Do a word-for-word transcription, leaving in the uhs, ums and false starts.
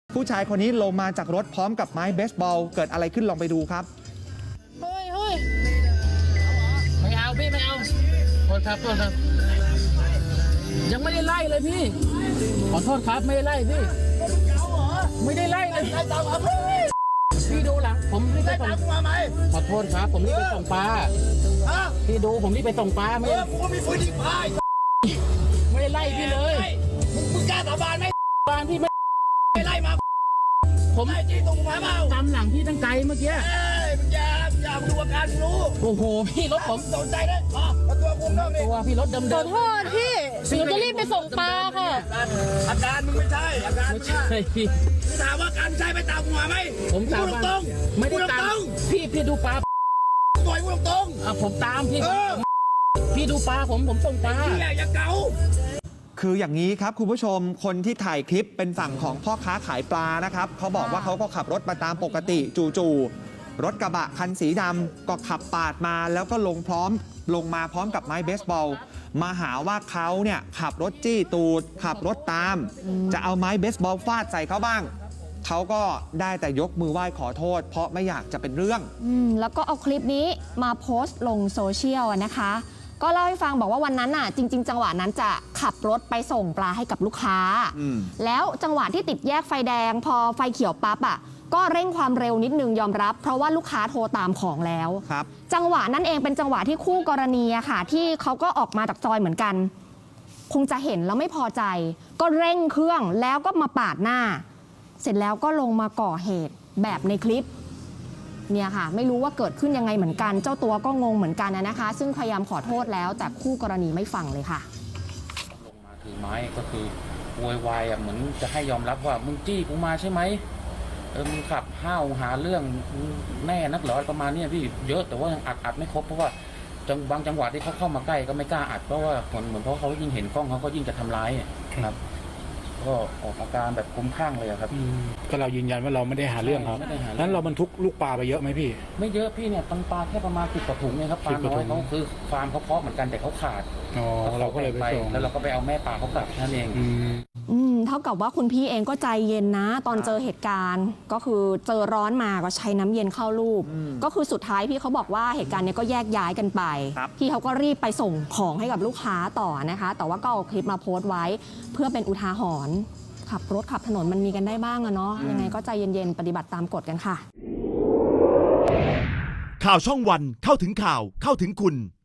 ผู้ชายคนนี้ลงมาจากรถพร้อมกับไม้เบสบอลเกิดอะไรขึ้นลองไปดูครับเฮ้ยเฮ้ยไม่เอาพี่ไม่เอาโทษครับโทษครับยังไม่ได้ไล่เลยพี่ขอโทษครับไม่ได้ไล่พี่ไม่ได้ไล่เลยพี่ดูหลังผมรีบไปส่งขอโทษครับผมรีบไปส่งปลาพี่ดูผมรีบไปส่งปลาไม่กูก็มีปืนยิงปลาไม่ได้ไล่พี่เลยมึงกล้าสาบานไหมบานพี่ไม่ไม่ไล่มาผมไล่จี้ตรงมาเปล่าตามหลังพี่ตั้งไกลเมื่อกี้เอ้ยมึงอย่าอย่าดูอาการรู้โอ้โหพี่รถผมสนใจได้อ๋อตัวกูนอกนี่ตัวพี่รถเดิมขอโทษพี่หนูจะรีบไปส่งปลาค่ะอาการมึงไม่ใช่อาการไม่ใช่พี่ถามว่าการใช้ไปตามหัวไหมผมตามตรงไม่ได้ตามพี่พี่ดูปลาปล่อยกูตรงอ่ะผมตามพี่พี่ดูปลาผมผมส่งปลาอย่าเก๋าคืออย่างนี้ครับคุณผู้ชมคนที่ถ่ายคลิปเป็นฝั่งของพ่อค้าขายปลานะครับเขาบอกว่าเขาก็ขับรถมาตามปกติจู่ๆรถกระบะคันสีดำก็ขับปาดมาแล้วก็ลงพร้อมลงมาพร้อมกับไม้เบสบอลมาหาว่าเขาเนี่ยขับรถจี้ตูดขับรถตามจะเอาไม้เบสบอลฟาดใส่เขาบ้างเขาก็ได้แต่ยกมือไหว้ขอโทษเพราะไม่อยากจะเป็นเรื่องอืมแล้วก็เอาคลิปนี้มาโพสต์ลงโซเชียลนะคะก็เล่าให้ฟังบอกว่าวันนั้นน่ะจริงๆจังหวะนั้นจะขับรถไปส่งปลาให้กับลูกค้าแล้วจังหวะที่ติดแยกไฟแดงพอไฟเขียวปั๊บอ่ะก็เร่งความเร็วนิดนึงยอมรับเพราะว่าลูกค้าโทรตามของแล้วจังหวะนั้นเองเป็นจังหวะที่คู่กรณีอะค่ะที่เขาก็ออกมาจากซอยเหมือนกันคงจะเห็นแล้วไม่พอใจก็เร่งเครื่องแล้วก็มาปาดหน้าเสร็จแล้วก็ลงมาก่อเหตุแบบในคลิปเนี่ยค่ะไม่รู้ว่าเกิดขึ้นยังไงเหมือนกันเจ้าตัวก็งงเหมือนกันนะคะซึ่งพยายามขอโทษแล้วแต่คู่กรณีไม่ฟังเลยค่ะลงมาถือไม้ก็คือโวยวายอ่ะเหมือนจะให้ยอมรับว่ามึงจี้กูมาใช่ไหมเออมึงขับห้าวหาเรื่องแน่นักเหรอประมาณนี้พี่เยอะแต่ว่ายังอัดอัดไม่ครบเพราะว่าจังบางจังหวะที่เขาเข้ามาใกล้ก็ไม่กล้าอัดเพราะว่าเหมือนเหมือนเพราะเขายิ่งเห็นกล้องเขาก็ยิ่งจะทำร้ายครับก็ออกอาการแบบคุ้มข้างเลยครับก็เรายืนยันว่าเราไม่ได้หาเรื่องครับนั้นเราบรรทุกลูกปลาไปเยอะไหมพี่ไม่เยอะพี่เนี่ยตังปลาแค่ประมาณสิบกว่าถุงเนี่ยครับปลาน้อยเขาคือฟาร์มเขาเพาะเหมือนกันแต่เขาขาดอ๋อเราก็เลยไปส่งแล้วเราก็ไปเอาแม่ปลาเขากลับนั่นเองอืมเท่ากับว่าคุณพี่เองก็ใจเย็นนะตอนเจอเหตุการณ์ก็คือเจอร้อนมาก็ใช้น้ำเย็นเข้ารูปก็คือสุดท้ายพี่เขาบอกว่าเหตุการณ์นี้ก็แยกย้ายกันไปพี่เขาก็รีบไปส่งของให้กับลูกค้าต่อนะคะแต่ว่าก็เอาคลิปมาโพสต์ไว้เพื่อเป็นอุทาหรณ์ขับรถขับถนนมันมีกันได้บ้างอะเนาะยังไงก็ใจเย็นๆปฏิบัติตามกฎกันค่ะข่าวช่องวันเข้าถึงข่าวเข้าถึงคุณ